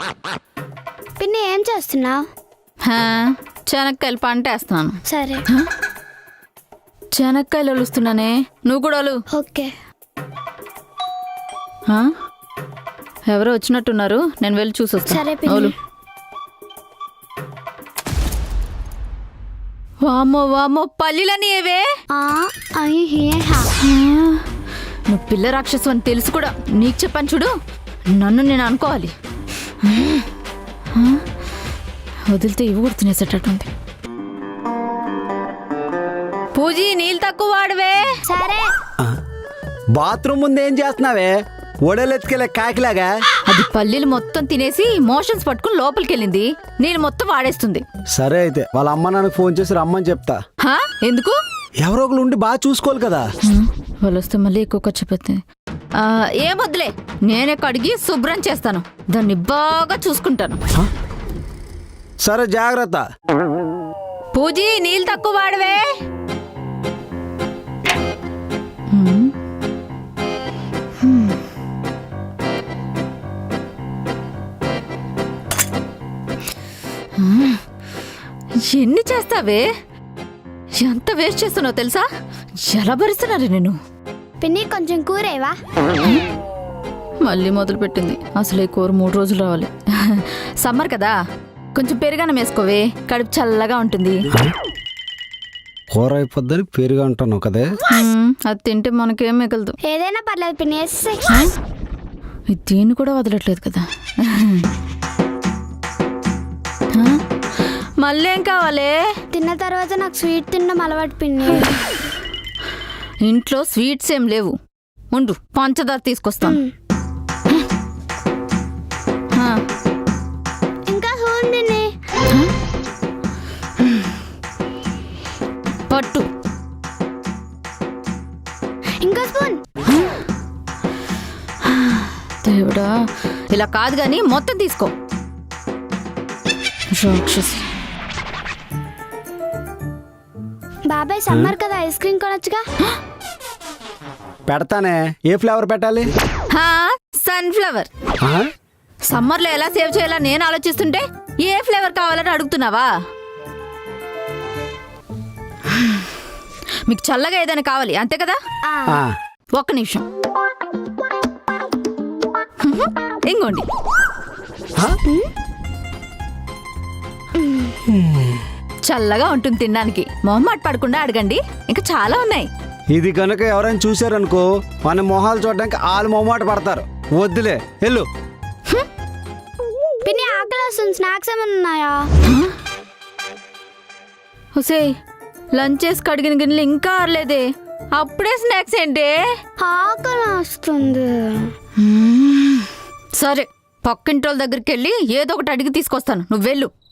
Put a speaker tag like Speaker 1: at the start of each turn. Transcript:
Speaker 1: పిన్ని ఏం చేస్తున్నావు?
Speaker 2: చెనక్కాయలు పంట వేస్తున్నాను.
Speaker 1: సరే.
Speaker 2: చెనక్కాయలు ఒలుస్తున్నానే, నువ్వు కూడా ఒలు.
Speaker 1: ఓకే.
Speaker 2: ఎవరో వచ్చినట్టున్నారు, నేను వెళ్ళి చూసొస్తాను.
Speaker 1: సరే పిన్ని.
Speaker 2: ఒలు. వామ్మో వామ్మో, పల్లీలని ఏవే? నువ్వు పిల్ల రాక్షసు అని తెలుసు కూడా నీకు చెప్పాను చూడు. నన్ను నేను అనుకోవాలి. వదిలితే ఇవి కూడా తినేసేటట్టుంది. పూజీ, నీళ్ళు తక్కువ వాడవే.
Speaker 1: సరే.
Speaker 3: బాత్రూమ్ ముందు ఏం చేస్తున్నావే? ఒడలెత్తుకెళ్ళే కాకిలాగా.
Speaker 2: అది పల్లీలు మొత్తం తినేసి మోషన్స్ పట్టుకుని లోపలికి వెళ్ళింది. నేను మొత్తం వాడేస్తుంది.
Speaker 3: సరే అయితే వాళ్ళ అమ్మ నాన్నకు ఫోన్ చేసి రమ్మని చెప్తా.
Speaker 2: ఎందుకు?
Speaker 3: ఎవరో ఒకరు ఉండి బాగా చూసుకోవాలి కదా.
Speaker 2: వాళ్ళు వస్తే మళ్ళీ ఎక్కువ ఖర్చు పెడతాయి. ఏం వద్దులే, నేనే కడిగి శుభ్రం చేస్తాను. దాన్ని బాగా చూసుకుంటాను.
Speaker 3: సరే, జాగ్రత్త.
Speaker 2: పూజీ, నీళ్ళు తక్కువ వాడవే. ఎన్ని చేస్తావే? ఎంత వేస్ట్ చేస్తున్నావు తెలుసా? ఎలా భరిస్తున్నారు నేను.
Speaker 1: పిన్ని కొంచెం కూరేవా?
Speaker 2: మళ్ళీ మొదలు పెట్టింది. అసలు ఈ కూర 3 రోజులు రావాలి. సమ్మర్ కదా, కొంచెం పెరుగన్నం వేసుకోవే, కడుపు చల్లగా ఉంటుంది.
Speaker 3: కూర అయిపోద్దని పెరుగు అంటాను కదే.
Speaker 2: అది తింటే మనకేం మిగలదు.
Speaker 1: ఏదైనా పర్లేదు పిన్ని.
Speaker 2: దీన్ని కూడా వదలట్లేదు కదా. మళ్ళీ ఏం కావాలి?
Speaker 1: తిన్న తర్వాత నాకు స్వీట్ తినడం అలవాటు పిన్ని.
Speaker 2: ఇంట్లో స్వీట్స్ ఏం లేవు. ఉండు, పంచదార తీసుకొస్తాను.
Speaker 1: ఇంకా స్పూన్ పిన్ని.
Speaker 2: పట్టు.
Speaker 1: ఇంకా స్పూన్.
Speaker 2: దేవుడా, ఇలా కాదు గాని మొత్తం తీసుకో. రాక్షసి.
Speaker 1: బాబాయ్, సమ్మర్ కదా, ఐస్ క్రీమ్ కొనొచ్చుగా.
Speaker 3: పెడతానే. ఏ ఫ్లేవర్ పెట్టాలి?
Speaker 2: సన్ఫ్లవర్. సమ్మర్ లో ఎలా సేవ్ చేయాలా నేను ఆలోచిస్తుంటే ఏ ఫ్లేవర్ కావాలని అడుగుతున్నావా? మీకు చల్లగా ఏదైనా కావాలి అంతే కదా? ఒక్క నిమిషం. ఇంకోండి. చల్లగా ఉంటుంది తినడానికి. మొహమాట పడకుండా అడగండి, ఇంకా చాలా ఉన్నాయి.
Speaker 3: ఇది కనుక ఎవరైనా చూసారనుకో, మన మొహాలు చూడడానికి వాళ్ళు మొహమాట పడతారు. వద్దులే, వెళ్ళు.
Speaker 1: పిన్ని ఆకలి వస్తుంది, స్నాక్స్ ఏమైనా ఉన్నాయా?
Speaker 2: హుసే, లంచ్ చేసి కడిగిన గిన్నెలు ఇంకా ఆరలేదే, అప్పుడే స్నాక్స్ ఏంటి?
Speaker 1: ఆకలి వస్తుంది.
Speaker 2: సరే, పక్కింటి వాళ్ళ దగ్గరికి వెళ్ళి ఏదో ఒకటి అడిగి తీసుకొస్తాను, నువ్వు వెళ్ళు.